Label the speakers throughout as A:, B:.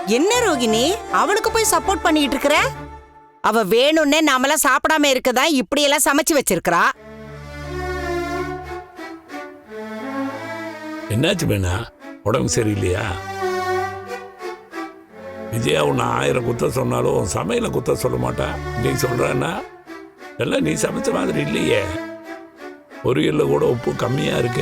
A: என்ன ரோகிணி அவளுக்கு போய் சப்போர்ட் பண்ணிட்டு இருக்கற? அவ வேணும்னே நாமெல்லாம் சாப்பிடாம இருக்கதா இப்படி எல்லாம் சமைச்சு வச்சிருக்கா.
B: என்னாச்சு வேணா? உடம்பு சரியில்லையா? விஜயா உன்னை 1000 குத்த சொன்னாலும் சமையல குத்த சொல்ல மாட்டா. நீ சொல்றன்னா எல்லாம் நீ சமைச்ச மாதிரி இல்லையே. பொரியல்ல கூட உப்பு கம்மியா இருக்கு.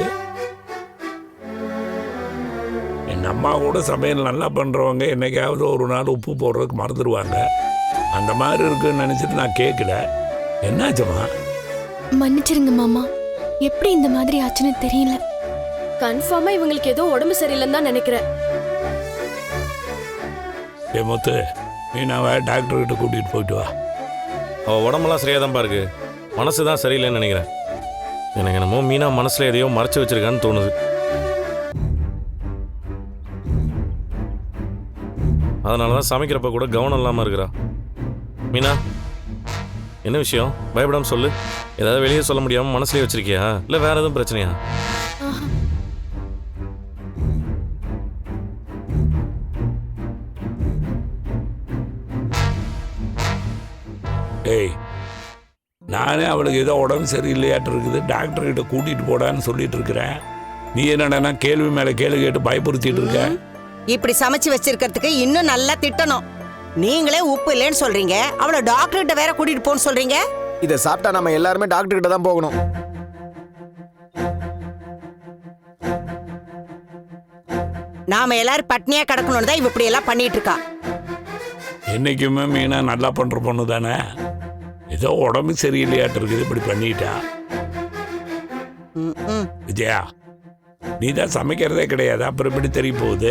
B: எங்க அம்மா கூட சமையல் நல்லா பண்றவங்க என்னைக்காவது ஒரு நாள் உப்பு போடுறதுக்கு மறந்துடுவாங்க. அந்த மாதிரி இருக்குன்னு நினைச்சிட்டு நான் கேட்கல. என்னாச்சுமா?
C: மன்னிச்சிருங்க மாமா, எப்படி இந்த மாதிரி ஆச்சுன்னு தெரியல.
D: கன்ஃபார்மா இவங்களுக்கு ஏதோ உடம்பு சரியில்லைன்னு தான் நினைக்கிறேன்.
B: ஏ முத்து, மீனாவை டாக்டர் கிட்ட கூட்டிட்டு போயிட்டு வா.
E: அவள் உடம்பெல்லாம் சரியாக தான்ப்பா இருக்கு, மனசு தான் சரியில்லைன்னு நினைக்கிறேன். எனக்கு என்னமோ மீனா மனசில் எதையோ மறைச்சு வச்சிருக்கான்னு தோணுது. அதனால தான் சமைக்கிறப்ப கூட கவனம் இல்லாமல் இருக்கிறா. மீனா, என்ன விஷயம்? பயப்படாமல் சொல்லு. ஏதாவது வெளியே சொல்ல முடியாமல் மனசுலேயே வச்சிருக்கியா, இல்லை வேற எதுவும் பிரச்சனையா?
B: ஏய், நானே அவளுக்கு ஏதோ உடம்பு சரியில்லையாட்டு இருக்குது, டாக்டர் கிட்ட கூட்டிட்டு போடான்னு சொல்லிட்டு இருக்கிறேன். நீ என்னடா கேள்வி மேல கேள்வி கேட்டு பயப்படுத்திட்டு இருக்க?
A: இப்படி சமைச்சு வச்சிருக்கிறதுக்கு இன்னும் நல்லா திட்டணும். நீங்களே உப்பு இல்லைன்னு சொல்றீங்க, அவளை டாக்டர் கிட்ட வேற கூட்டிட்டு போன்னு சொல்றீங்க.
F: இதை சாப்பிட்டா நம்ம எல்லாருமே டாக்டர் கிட்ட தான் போகணும்.
A: நாம எல்லாரும் பட்னியா கிடக்கணும்னு தான் இப்படி எல்லாம் பண்ணிட்டு இருக்கா.
B: என்னைக்குமே மீனா நல்லா பண்ற பொண்ணு தானே. ஏதோ உடம்பு சரியில்லையாட்டு இருக்குது, இப்படி பண்ணிட்டா. விஜயா, நீ தான் சமைக்கிறதே கிடையாது, அப்புறம் எப்படி தெரிய போகுது?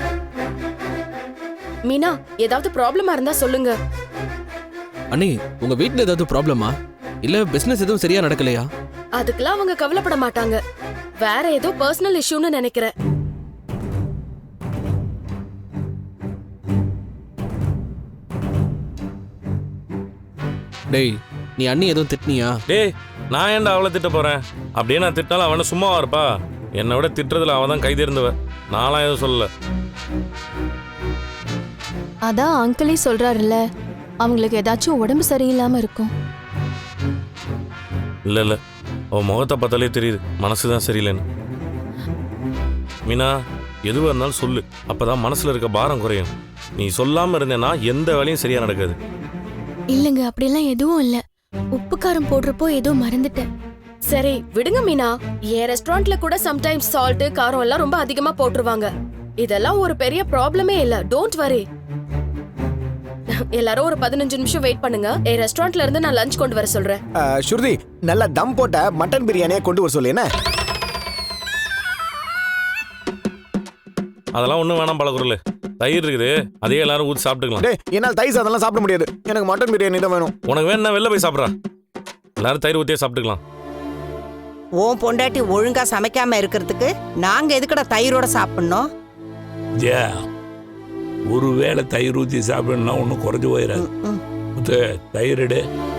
D: மீனா, ஏதாவது ப்ராப்ளமா இருந்தா சொல்லுங்க.
G: அண்ணி, உங்க வீட்ல ஏதாவது ப்ராப்ளமா? இல்ல பிசினஸ் எதுவும் சரியா நடக்கலையா?
D: அதுக்கெல்லாம் அவங்க கவலைப்பட மாட்டாங்க. வேற ஏதோ பர்சனல் இஷ்யூன்னு நினைக்கிறேன்.
G: டேய், நீ அண்ணி எதுவும் திட்டினியா?
E: டேய், நான் ஏன்டா அவளை திட்ட போறேன்? அப்படியே நான் திட்டாலும் அவனை சும்மாவா இருப்பா? என்னை விட திட்டுறதுல அவன் தான் கைதேர்ந்தவ. நான்லாம் எதுவும் சொல்லல.
C: அதான் அங்கிளே சொல்றாருல்ல, அவங்களுக்கு ஏதாச்சும் உடம்பு சரியில்லாம இருக்கும்.
E: இல்லை இல்லை, அவன் முகத்தை பார்த்தாலே தெரியுது மனசு தான் சரியில்லைன்னு. மீனா, எதுவாக இருந்தாலும் சொல்லு, அப்பதான் மனசுல இருக்க பாரம் குறையும். நீ சொல்லாம இருந்தேன்னா எந்த வேலையும் சரியா நடக்காது.
C: இல்லங்க, அப்படியெல்லாம் எதுவும் இல்ல. உப்பு காரம் போடுறப்போ ஏதோ மறந்துட்டேன்.
D: சரி விடுங்க மீனா. என் ரெஸ்டாரண்ட்ல கூட சம்டைம்ஸ் சால்ட் காரம் எல்லாம் ரொம்ப அதிகமா போட்டுருவாங்க. இதெல்லாம் ஒரு பெரிய ப்ராப்ளமே இல்ல. Don't worry. எல்லாரும் ஒரு 15 நிமிஷம் வெயிட் பண்ணுங்க. என் ரெஸ்டாரண்ட்ல இருந்து நான் லஞ்ச் கொண்டு வர சொல்றேன்.
F: ஸ்ருதி, நல்லா தம் போட்ட மட்டன் பிரியாணியை கொண்டு வர சொல்லு. என்ன?
E: அதெல்லாம் ஒன்றும் வேணாம் பழகுறல. தயிர் இருக்குது, அதே எல்லாரும் ஊற்றி சாப்பிட்டுக்கலாம்.
F: டேய், என்னால் தயிர் சாதம்லாம் சாப்பிட முடியாது. எனக்கு மட்டன் பிரியாணி தான் வேணும்.
E: உனக்கு வேணும்னா வெளில போய் சாப்பிட்றா. எல்லாரும் தயிர் ஊற்றியே சாப்பிட்டுக்கலாம்.
A: உன் பொண்டாட்டி ஒழுங்கா சமைக்காம இருக்கிறதுக்கு நாங்க எதுக்கட தயிரோட சாப்பிடணும்?
B: விஜயா, ஒருவேளை தயிர் ஊற்றி சாப்பிடணும்னா ஒன்றும் குறைஞ்சு போயிடாது. தயிர் எடு.